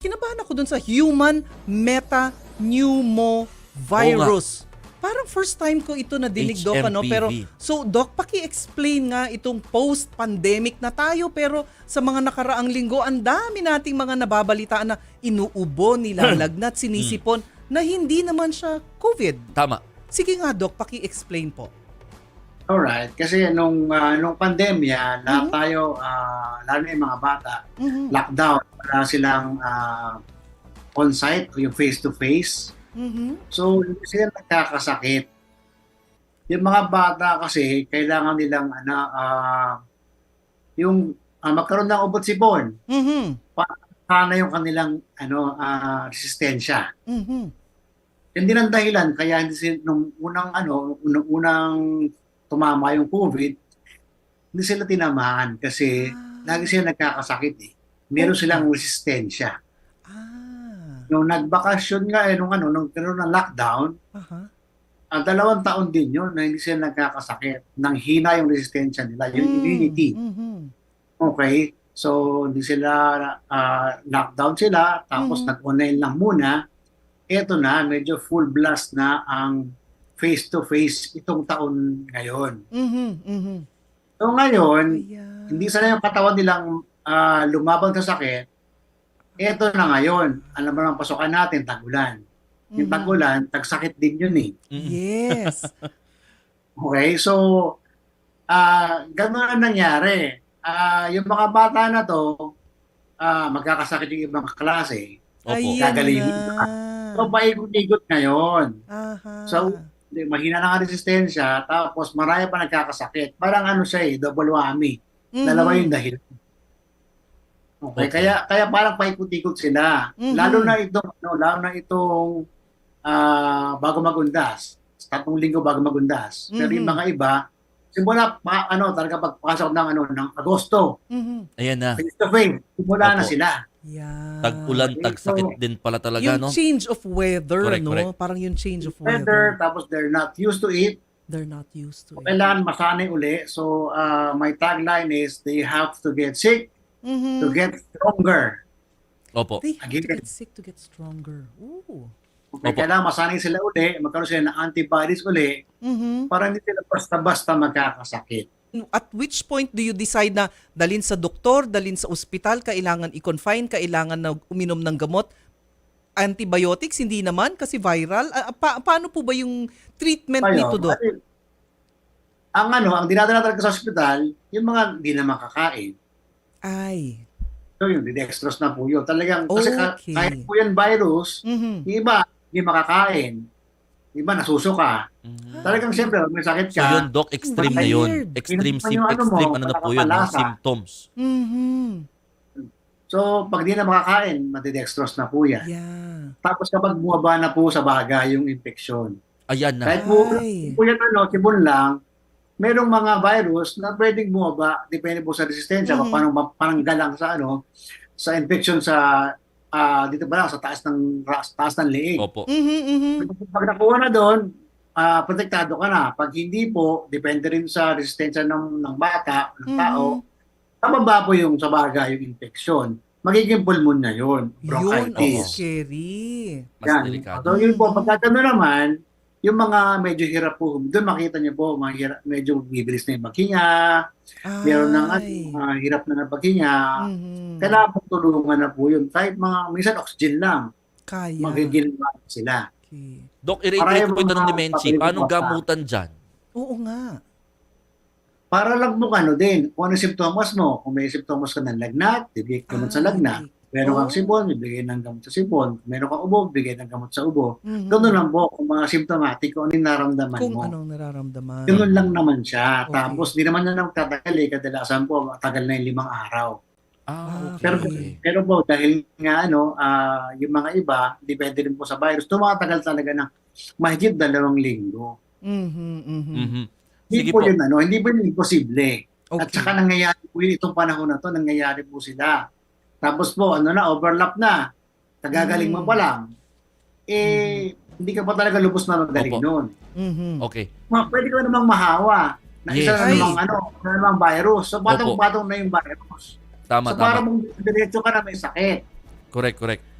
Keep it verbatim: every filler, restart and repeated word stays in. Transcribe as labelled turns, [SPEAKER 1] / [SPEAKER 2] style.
[SPEAKER 1] Kinabahan ako dun sa human metapneumovirus. Parang first time ko ito nadinig, Doc, ano? Pero, so, Doc, paki-explain nga itong post-pandemic na tayo. Pero sa mga nakaraang linggo, ang dami nating mga nababalitaan na inuubo, nilalagnat, sinisipon, na hindi naman siya COVID.
[SPEAKER 2] Tama.
[SPEAKER 1] Sige nga, Doc, paki-explain po.
[SPEAKER 3] Alright. Kasi nung, uh, nung pandemya, lahat mm-hmm. tayo, uh, lalo na yung mga bata, mm-hmm. lockdown. Wala silang uh, on-site o yung face-to-face. Mm-hmm. So, hindi sila nagkakasakit. Yung mga bata kasi, kailangan nilang ano, uh, yung uh, magkaroon ng ubot-sipon. Mm-hmm. Para yung kanilang ano, uh, resistensya. Mm-hmm. Yan din ang dahilan, kaya hindi sila, nung unang, ano, unang, unang tumama yung COVID, hindi sila tinamaan kasi ah. lagi sila nagkakasakit eh. Meron okay. silang resistensya. Nung nagbakasyon nga eh, nung ano, nung karoon ng lockdown, uh-huh. uh, dalawang taon din yun na hindi sila nagkakasakit. Nang hina yung resistensya nila, yung mm, immunity. Mm-hmm. Okay? So, hindi sila, uh, lockdown sila, tapos mm-hmm. nag-online lang muna. Eto na, medyo full blast na ang face-to-face itong taon ngayon. Mm-hmm. Mm-hmm. So ngayon, yeah. hindi sana yung katawan nilang uh, lumabang sa sakit. Ito na ngayon, alam mo naman pasukan natin, tag-ulan. Mm-hmm. Yung tag-ulan, tag-sakit din yun eh.
[SPEAKER 1] Yes.
[SPEAKER 3] Okay, so, uh, gano'n ang nangyari. Uh, yung mga bata na to, uh, magkakasakit yung ibang klase.
[SPEAKER 1] Opo.
[SPEAKER 3] Gagalingin ka. So, paikot-ikot ngayon.
[SPEAKER 1] Uh-huh.
[SPEAKER 3] So, mahina na nga resistensya, tapos marami pa nagkakasakit. Parang ano siya eh, double whammy. Mm-hmm. Dalawa yung dahil. Okay, okay. Kaya kaya parang paikot-ikot sila. Mm-hmm. Lalo na itong ano, lalo na itong uh, bago magundas. Tatlong linggo bago magundas. Mm-hmm. Pero yung mga iba, simula pa, ano, talaga pagpasok ng ano ng Agosto.
[SPEAKER 2] Mm-hmm. Ayan na.
[SPEAKER 3] Face to face, simula Opo. na sila.
[SPEAKER 1] Yeah.
[SPEAKER 2] Tag-ulan, tag-sakit so, din pala talaga,
[SPEAKER 1] yung
[SPEAKER 2] no?
[SPEAKER 1] Yung change of weather,
[SPEAKER 2] correct,
[SPEAKER 1] no?
[SPEAKER 2] Correct.
[SPEAKER 1] Parang yung change of weather.
[SPEAKER 3] weather. Tapos they're not used to it.
[SPEAKER 1] They're not used to it.
[SPEAKER 3] Kailangan masanay uli. So, uh, my tagline is, they have to get sick mm-hmm. to get stronger.
[SPEAKER 2] Opo.
[SPEAKER 1] They have Again. to get sick to get stronger. Ooh.
[SPEAKER 3] Okay, Opo. Kailangan masanay sila uli, magkaroon sila ng antibodies uli, mm-hmm. para hindi sila basta-basta magkakasakit.
[SPEAKER 1] At which point do you decide na dalhin sa doktor, dalhin sa ospital, kailangan i-confine, kailangan na uminom ng gamot? Antibiotics, hindi naman kasi viral. Uh, pa- paano po ba yung treatment Payo, nito, Dok?
[SPEAKER 3] Ang ano, ang dinadala talaga sa ospital, yung mga hindi na makakain.
[SPEAKER 1] Ay.
[SPEAKER 3] So yung dextrose na po yun. Talagang,
[SPEAKER 1] okay.
[SPEAKER 3] kasi kahit po yan virus, mm-hmm. yung iba, hindi makakain. Yung iba, nasusuka. Mm-hmm. Talagang siyempre, may sakit ka.
[SPEAKER 2] So yun, Doc, extreme na yun. Extreme, sim- ano extreme, mo, ano na po yun, yung symptoms.
[SPEAKER 1] Mm-hmm.
[SPEAKER 3] So, pag di na makakain, matidextrose na po yan.
[SPEAKER 1] Yeah.
[SPEAKER 3] Tapos kapag bumaba na po sa baga yung infeksyon.
[SPEAKER 2] Ayan na.
[SPEAKER 3] Kahit po, po yan, ano, sibon lang, merong mga virus na pwedeng bumaba, depende po sa resistensya, mm-hmm. parang pananggalang sa ano, sa infection sa, uh, dito ba lang, sa taas ng, taas ng leeg.
[SPEAKER 2] Opo.
[SPEAKER 1] Mm-hmm.
[SPEAKER 3] Pag nakuha na doon, uh, protektado ka na. Pag hindi po, depende rin sa resistensya ng, ng bata, ng tao, mm-hmm. Tababa po yung sa baga, yung infeksyon. Magiging pulmonya yun. Bronchitis.
[SPEAKER 1] Yun, oh, scary.
[SPEAKER 2] Mas
[SPEAKER 3] yan.
[SPEAKER 2] delikado.
[SPEAKER 3] So yun po, pagkakano naman, yung mga medyo hirap po, doon makita niyo po, mga hirap, medyo bibilis na yung paghinga, meron ng uh, hirap na ng paghinga, mm-hmm. kailangan po tulungan na po yun. Kahit mga, minsan oxygen lang,
[SPEAKER 1] kaya.
[SPEAKER 3] magiging sila.
[SPEAKER 2] Okay. Doc, i-rate ko po ito ng dementia. Paano gamutan dyan?
[SPEAKER 1] Oo nga.
[SPEAKER 3] Para lang mo ano din, kung ano simptomas mo. Kung may simptomas ka ng lagnat, bibigay ka gamot sa lagnat. Meron kang sipon, bibigay ng gamot sa sipon. Meron kang ubo, bibigay ng gamot sa ubo. Mm-hmm. Ganun lang po, kung mga symptomatic, kung ano yung nararamdaman
[SPEAKER 1] kung
[SPEAKER 3] mo.
[SPEAKER 1] Kung anong nararamdaman.
[SPEAKER 3] Ganun lang naman siya.
[SPEAKER 1] Okay.
[SPEAKER 3] Tapos, di naman na nang tatagal eh. Kadalasan po, tagal na yung limang araw.
[SPEAKER 2] Ah, okay.
[SPEAKER 3] Pero, pero po, dahil nga ano, uh, yung mga iba, depende rin po sa virus, tumatagal talaga ng mahigit dalawang linggo.
[SPEAKER 1] Mm-hmm, mm-hmm.
[SPEAKER 2] Mm-hmm.
[SPEAKER 3] Hindi
[SPEAKER 2] Sige
[SPEAKER 3] po,
[SPEAKER 2] po
[SPEAKER 3] yun, ano, hindi po yun imposible.
[SPEAKER 1] Okay.
[SPEAKER 3] At saka nangyayari po yun, itong panahon na to, nangyayari po sila. Tapos po, ano na, overlap na. Tagagaling mm. mo pa lang. Eh, mm. hindi ka pa talaga lubos na magaling noon.
[SPEAKER 1] Mm-hmm.
[SPEAKER 2] Okay.
[SPEAKER 3] Ma, pwede ka namang mahawa. Na
[SPEAKER 2] yes.
[SPEAKER 3] isa na namang, ano, na namang virus. So, patong-patong na yung virus.
[SPEAKER 2] Tama,
[SPEAKER 3] so,
[SPEAKER 2] tama.
[SPEAKER 3] para mong diretso ka na may sakit.
[SPEAKER 2] Correct, correct.